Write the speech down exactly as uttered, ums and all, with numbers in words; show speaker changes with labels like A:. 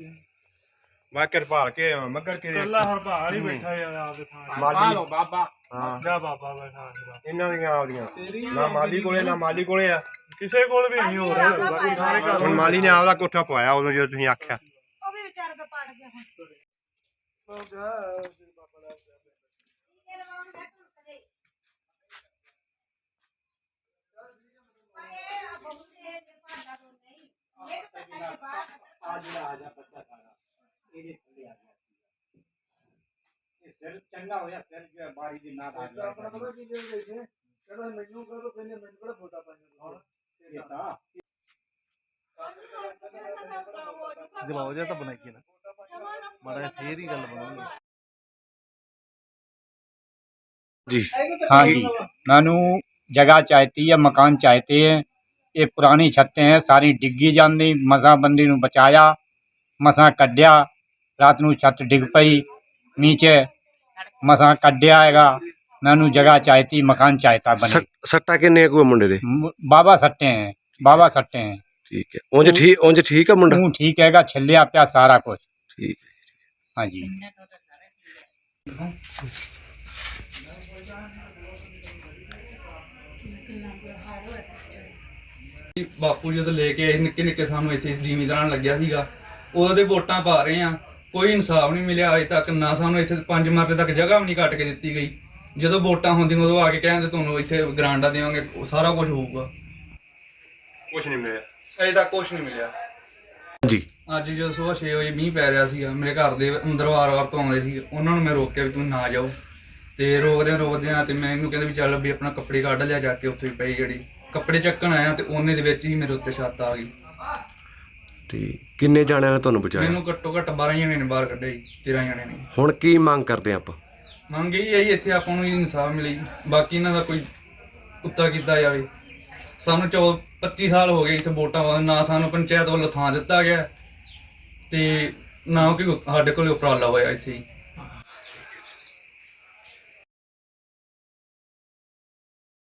A: ਮੈਂ ਕਿਰਪਾਲ ਕੇ ਮੱਗਰ ਕੇ
B: ਕੱਲਾ ਹਰਪਾਲ ਹੀ ਬੈਠਾ ਯਾਰ ਆਪਦੇ ਥਾਂ
A: ਮਾਲੀ
C: ਬਾਬਾ
A: ਹਾਂ
B: ਜਾ ਬਾਬਾ ਬੈਠਾ
A: ਇਹਨਾਂ ਦੀਆਂ ਆਪਦੀਆਂ ਨਾ ਮਾਲੀ ਕੋਲੇ ਨਾ ਮਾਲੀ ਕੋਲੇ ਆ
B: ਕਿਸੇ ਕੋਲ ਵੀ ਨਹੀਂ ਹੋ ਰਿਹਾ ਬਾਕੀ ਸਾਰੇ ਘਰ
A: ਹੁਣ ਮਾਲੀ ਨੇ ਆਪਦਾ ਕੋਠਾ ਪਵਾਇਆ ਉਦੋਂ ਜਦੋਂ ਤੁਸੀਂ ਆਖਿਆ
D: ਉਹ ਵੀ ਵਿਚਾਰੇ ਦਾ ਪੜ ਗਿਆ ਹੁਣ
B: ਹੋ ਗਿਆ ਤੇਰੇ ਬਾਬਾ ਦਾ
D: ਇਹ ਲਵਾਉਣ ਬੈਠ ਕਦੇ ਇਹ ਆ ਬਹੁਤ ਇਹ ਪੜਦਾ ਤੋਂ ਨਹੀਂ ਇਹ ਤਾਂ ਕੱਟੇ ਬਾਹਰ
C: ਆ ਜਿਹੜਾ ਆ ਜਾ ਬੱਚਾ ਸਾਰਾ ਇਹਦੇ ਥੱਲੇ ਆ ਗਿਆ ਇਹ ਸਿਰ ਚੰਗਾ ਹੋਇਆ ਸਿਰ ਜੋ ਬਾਰੀ ਦੀ ਨਾ ਆ ਗਿਆ
B: ਆਪਣਾ ਪਤਾ ਕੀ ਦੇ ਗਏ ਕਹਿੰਦਾ ਮੈਨੂੰ ਕਹੋ ਕਹਿੰਦੇ ਮੈਨੂੰ ਕਿਹੜਾ ਫੋਟਾ ਪਾਈਆਂ ਹੁਣ
C: ਇਹ ਤਾਂ
E: ਜਵਾਬ ਜਿਹਾ ਤਾਂ ਬਣਾਈਏ ਨਾ ਮਾੜਾ ਫੇਰ ਹੀ ਗੱਲ ਬਣੂਗੀ
A: जी
F: हाँ जी मैनू जगह चाहती है मकान चाहते हैं ये पुरानी छत्तें हैं सारी डिग्गी जाती मसा बंदी नू बचाया मसा कड्या रात नू छत डिग पई नीचे मसा कड्या हैगा मैनू जगह चाहती मकान चाहता बने
A: सट्टा किन्ने कोई मुंडे दे
F: म- बाबा सट्टे हैं बाबा सट्टे हैं
A: ठीक है उंज ठीक उंज ठीक है मुंडा
F: तू ठीक हैगा छिलिया पिया सारा कुछ
A: ठीक
F: हाँ जी
G: ਬਾਪੂ ਜਦੋਂ ਲੈ ਕੇ ਆਏ ਨਿੱਕੇ ਨਿੱਕੇ ਸਾਨੂੰ ਇੱਥੇ ਜ਼ਿਮੀਂਦਾਰਾਂ ਲੱਗਿਆ ਸੀਗਾ ਉਦੋਂ ਦੇ ਵੋਟਾਂ ਪਾ ਰਹੇ ਆ ਕੋਈ ਇਨਸਾਫ ਨਹੀਂ ਮਿਲਿਆ ਅਜੇ ਤੱਕ ਨਾ ਸਾਨੂੰ ਇੱਥੇ ਪੰਜ ਮਰਲੇ ਤੱਕ ਜਗ੍ਹਾ ਵੀ ਨਹੀਂ ਕੱਟ ਕੇ ਦਿੱਤੀ ਗਈ ਜਦੋਂ ਵੋਟਾਂ ਹੁੰਦੀਆਂ ਉਦੋਂ ਆ ਕੇ ਕਹਿੰਦੇ ਤੁਹਾਨੂੰ ਇੱਥੇ ਗਰਾਂਡਾ ਦੇਵਾਂਗੇ ਸਾਰਾ ਕੁਝ ਹੋਊਗਾ
A: कुछ नहीं मिला
G: ਅਜੇ ਤੱਕ ਕੁਝ ਨਹੀਂ ਮਿਲਿਆ
A: जी
G: ਅੱਜ ਜਦੋਂ ਸਵੇਰ ਛੇ ਵਜੇ ਮੀਂਹ ਪੈ ਰਿਹਾ ਸੀਗਾ ਮੇਰੇ ਘਰ ਦੇ ਅੰਦਰ ਵਾਰ-ਵਾਰ ਤੋਂ ਆਉਂਦੇ ਸੀ ਉਹਨਾਂ ਨੂੰ ਮੈਂ ਰੋਕਿਆ ਵੀ ਤੁਸੀਂ ਨਾ ਜਾਓ ਤੇ ਰੋਕਦਿਆਂ ਰੋਕਦਿਆਂ ਤੇ ਮੈਂ ਇਹਨੂੰ ਕਹਿੰਦਾ ਵੀ ਚੱਲ ਵੀ ਆਪਣਾ ਕੱਪੜੇ ਕੱਢ ਲਿਆ ਜਾ ਕੇ ਉੱਥੇ ਪਈ ਜਿਹੜੀ ਕੱਪੜੇ ਚੱਕਣ ਆਇਆ ਤੇ ਉਹਨੇ ਦੇ ਵਿੱਚ ਹੀ ਮੇਰੇ ਉੱਤੇ ਛੱਤ ਆ ਗਈ
H: ਤੇ ਕਿੰਨੇ ਜਾਣਿਆਂ ਨੇ ਤੁਹਾਨੂੰ ਬਚਾਇਆ?
G: ਮੈਨੂੰ ਘੱਟੋ ਘੱਟ ਬਾਰਾਂ ਜਣੇ ਨੇ ਬਾਹਰ ਕੱਢਿਆ ਜੀ ਤੇਰਾਂ ਜਣੇ ਨੇ
H: ਹੁਣ ਕੀ ਮੰਗ ਕਰਦੇ ਆਪਾਂ?
G: ਮੰਗ ਇਹੀ ਹੈ ਜੀ ਇੱਥੇ ਆਪਾਂ ਨੂੰ ਇਨਸਾਫ ਮਿਲੇ ਜੀ ਬਾਕੀ ਇਹਨਾਂ ਦਾ ਕੋਈ ਕੁੱਤਾ ਕੀਤਾ ਜਾਵੇ ਸਾਨੂੰ ਚੌ ਪੱਚੀ ਸਾਲ ਹੋ ਗਏ ਇੱਥੇ ਵੋਟਾਂ ਵਾਂ ਨਾ ਸਾਨੂੰ ਪੰਚਾਇਤ ਵੱਲੋਂ ਥਾਂ ਦਿੱਤਾ ਗਿਆ ਤੇ ਨਾ ਕੋਈ ਸਾਡੇ ਕੋਲ ਉਪਰਾਲਾ ਹੋਇਆ ਇੱਥੇ